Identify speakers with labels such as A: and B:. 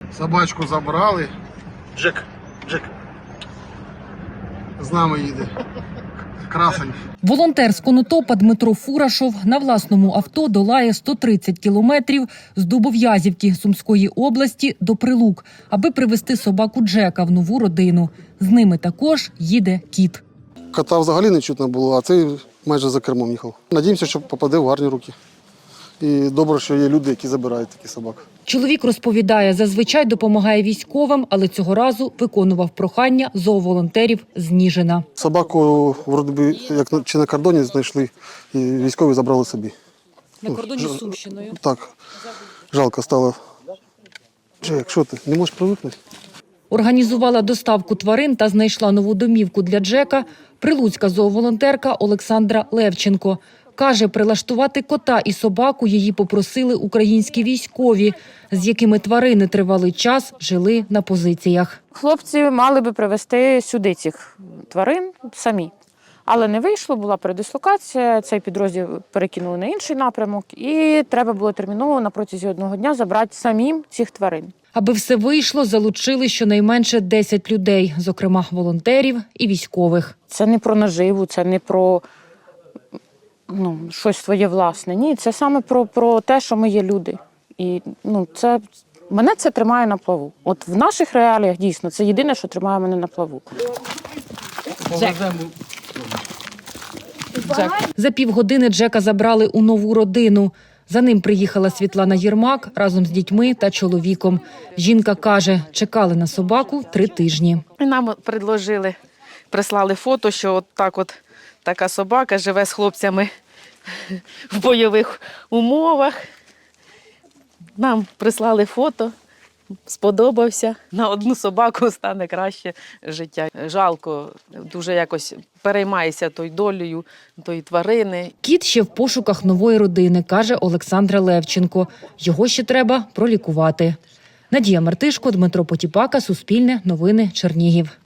A: Собачку забрали. Джек. З нами їде. Красень.
B: Волонтер з Конотопа Дмитро Фурашов на власному авто долає 130 кілометрів з Дубов'язівки Сумської області до Прилук, аби привезти собаку Джека в нову родину. З ними також їде кіт.
A: Кота взагалі не чутно було, а цей майже за кермом їхав. Надіємося, що попаде в гарні руки. І добре, що є люди, які забирають такі собак.
B: Чоловік розповідає, зазвичай допомагає військовим, але цього разу виконував прохання зооволонтерів з Ніжина.
A: Собаку, вроде би, як чи на кордоні знайшли, і військові забрали собі.
B: На кордоні з Сумщиною?
A: Так, жалко стало. Джек, що ти, не можеш привикнути?
B: Організувала доставку тварин та знайшла нову домівку для Джека прилуцька зооволонтерка Олександра Левченко. Каже, прилаштувати кота і собаку її попросили українські військові, з якими тварини тривалий час жили на позиціях.
C: Хлопці мали би привезти сюди цих тварин самі. Але не вийшло, була передислокація, цей підрозділ перекинули на інший напрямок і треба було терміново на протязі одного дня забрати самим цих тварин.
B: Аби все вийшло, залучили щонайменше 10 людей, зокрема волонтерів і військових.
C: Це не про наживу, це не про щось своє власне. Ні, це саме про те, що ми є люди. І мене це тримає на плаву. От в наших реаліях дійсно це єдине, що тримає мене на плаву.
B: За півгодини Джека забрали у нову родину. За ним приїхала Світлана Єрмак разом з дітьми та чоловіком. Жінка каже, чекали на собаку 3 тижні.
D: І нам прислали фото, що така собака живе з хлопцями в бойових умовах. Нам прислали фото, сподобався. На одну собаку стане краще життя. Жалко, дуже якось переймаєшся тою долею, тої тварини.
B: Кіт ще в пошуках нової родини, каже Олександра Левченко. Його ще треба пролікувати. Надія Мартишко, Дмитро Потіпака, Суспільне, Новини, Чернігів.